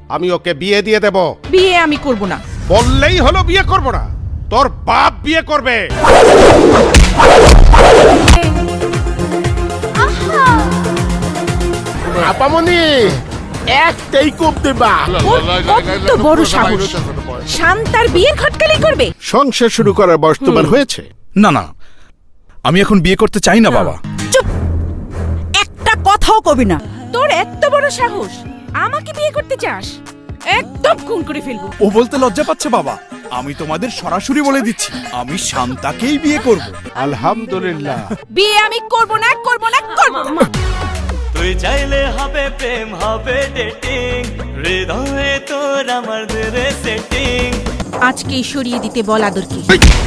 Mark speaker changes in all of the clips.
Speaker 1: আমি ওকে বিয়ে দিয়ে দেব।
Speaker 2: বিয়ে আমি করব না।
Speaker 1: বললেই হলো বিয়ে করব না, তোর বাপ বিয়ে করবে।
Speaker 3: আপামনি একটাই কোপ দেবা।
Speaker 2: কত বড় সাহস, শান্তার বিয়ের খটকালি করবে।
Speaker 3: সংসার শুরু করার বয়স তোমার হয়েছে?
Speaker 4: না না, আমি এখন বিয়ে করতে চাই না বাবা।
Speaker 2: চুপ, একটা কথাও কবি না। তোর এত বড় সাহস, আমাকে বিয়ে করতে চাস? একদম খুন করে ফেলবো।
Speaker 4: ও বলতে লজ্জা পাচ্ছে বাবা। আমি তোমাদের সরাসরি বলে দিচ্ছি, আমি শান্তাকেই বিয়ে করব।
Speaker 1: আলহামদুলিল্লাহ।
Speaker 2: বিয়ে আমি করব না, করব না, করব না।
Speaker 5: তুই চাইলে হবে প্রেম, হবে ডেটিং, হৃদয়ে তোর আমার ধরে সেটিং।
Speaker 2: আজকেই সরিয়ে দিতে বল আদরকে।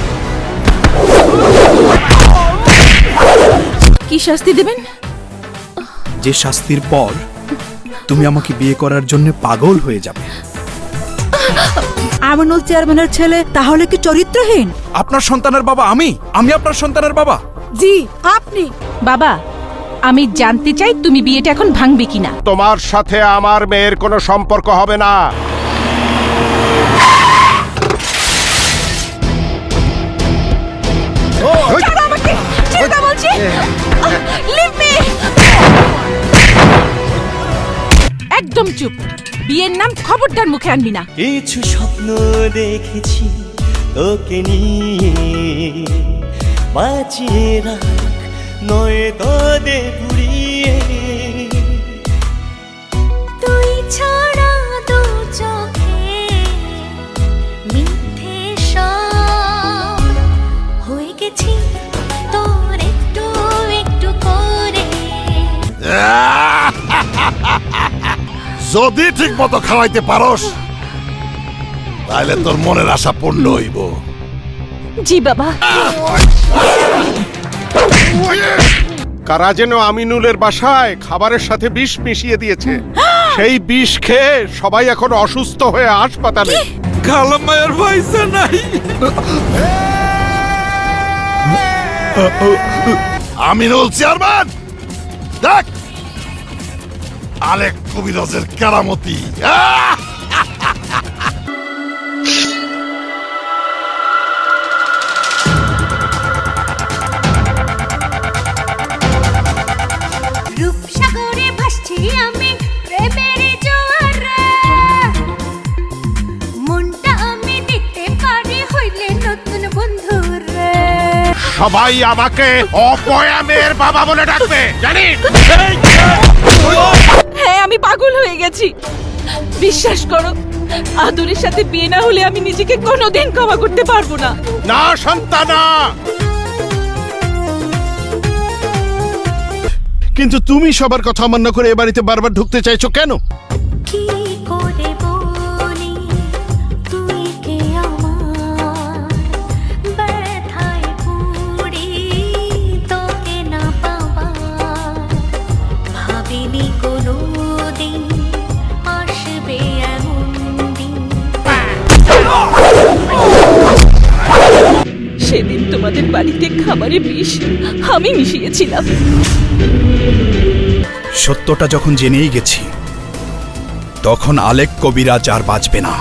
Speaker 2: কি শাস্তি দেবেন?
Speaker 4: যে শাস্তির পর তুমি আমাকে বিয়ে করার জন্য পাগল হয়ে যাবে।
Speaker 6: আমিনুল চেয়ারম্যানের ছেলে তাহলে কি চরিত্রহীন?
Speaker 4: আপনার সন্তানের বাবা আমি আপনার সন্তানের বাবা।
Speaker 6: জি আপনি।
Speaker 2: বাবা, আমি জানতে চাই তুমি বিয়েটা এখন ভাঙবে কিনা।
Speaker 1: তোমার সাথে আমার মেয়ের কোনো সম্পর্ক হবে না।
Speaker 2: ছাড়ো আমাকে, ছেড়ে দাও বলছি। Leave me. একদম চুপ, বিয়ের নাম খবরদার মুখে আনবি না।
Speaker 5: কিছু স্বপ্ন দেখেছি তোকে নিয়ে, বাঁচিয়ে রাখ নয় তোদে পুড়িয়ে।
Speaker 7: তুই ছাড়া দু চোখে মিথ্যে সব হয়ে গেছি তোর একটু একটু করে।
Speaker 3: যদি ঠিক মতো খাওয়াইতে পারস তাহলে তোর মনের আশা পূর্ণ হইব।
Speaker 2: জি বাবা।
Speaker 1: কারা যেন আমিনুলের বাসায় খাবারের সাথে বিষ মিশিয়ে দিয়েছে। সেই বিষ খেয়ে সবাই এখন অসুস্থ হয়ে হাসপাতালে।
Speaker 4: খালাম্মায়ের পয়সা নাই।
Speaker 3: আমিনুল চেয়ারম্যান দেখ আলেক কবিরাজের কেরামতি।
Speaker 7: রূপসাগরে ভাসছি আমি প্রেমের জোয়ারে, মনটা আমি দিতে পারি হইলে নতুন বন্ধুরে।
Speaker 1: সবাই আমাকে অপয়ামের বাবা বলে ডাকবে, জানিস?
Speaker 2: হ্যাঁ, আমি পাগল হয়ে গেছি। বিশ্বাস করো, আদরের সাথে বিয়ে না হলে আমি নিজেকে কোনোদিন ক্ষমা করতে পারবো না।
Speaker 1: না সন্তানা।
Speaker 3: কিন্তু তুমি সবার কথা অমান্য করে এ বাড়িতে বারবার ঢুকতে চাইছো কেন?
Speaker 7: কি করে বলি তুই কে আমার, ব্যথায় পুড়ি তোকে না পাওয়া। ভাবিনি কোনোদিন আসবে এমন দিন।
Speaker 2: সেদিন তোমাদের বাড়িতে খাবারে বিষ আমি মিশিয়েছিলাম।
Speaker 4: সত্যটা যখন জেনেই গেছি, তখন আলেক কবিরাজ আর বাঁচবে না।